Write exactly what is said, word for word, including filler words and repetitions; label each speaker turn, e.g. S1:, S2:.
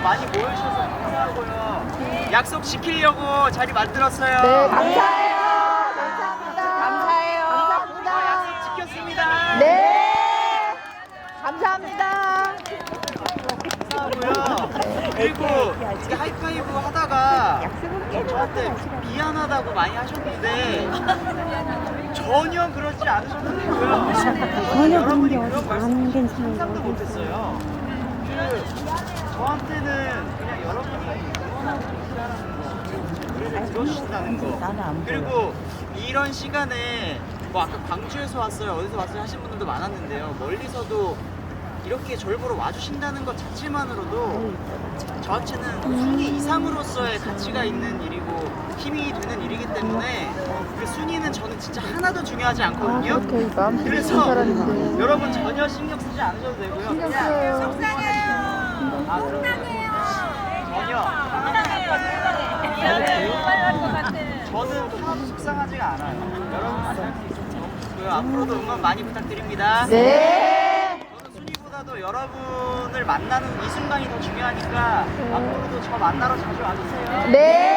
S1: 많이 모여주셔서 감사하고요. 약속 지키려고 자리 만들었어요.
S2: 네, 감사해요. 감사합니다. 감사해요. 감사합니다.
S1: 약속 지켰습니다.
S2: 네. 감사합니다.
S1: 감사하고요. 그리고 이렇게 하이파이브 하다가 저한테 미안하다고 많이 하셨는데 전혀 그러지 않으셨는데요.
S3: 전혀
S1: 여러분이
S3: 그런 게
S1: 그런 말씀
S3: 안 괜찮은
S1: 상상도
S3: 거
S1: 못했어요. 그 저한테는 그냥 여러분이 응원하고 계시다는 거, 노래를 들어주신다는 거, 그리고 이런 시간에 뭐 아까 광주에서 왔어요, 어디서 왔어요 하신 분들도 많았는데요. 멀리서도 이렇게 저를 보러 와주신다는 것 자체만으로도 저한테는 순위 이상으로서의 가치가 있는 일이고 힘이 되는 일이기 때문에 그 순위는 저는 진짜 하나도 중요하지 않거든요. 그래서 여러분 전혀 신경 쓰지 않으셔도 되고요.
S2: 신경 써요.
S4: 속상해요.
S1: 아, 그럼요. 전혀. 저는 하나도 속상하지가 않아요. 여러분 만날 수 있어서 너무 좋고요. 앞으로도 응원 많이 부탁드립니다.
S2: 네.
S1: 저는 순위보다도 여러분을 만나는 이 순간이 더 중요하니까 앞으로도 저 만나러 자주 와주세요.
S2: 네.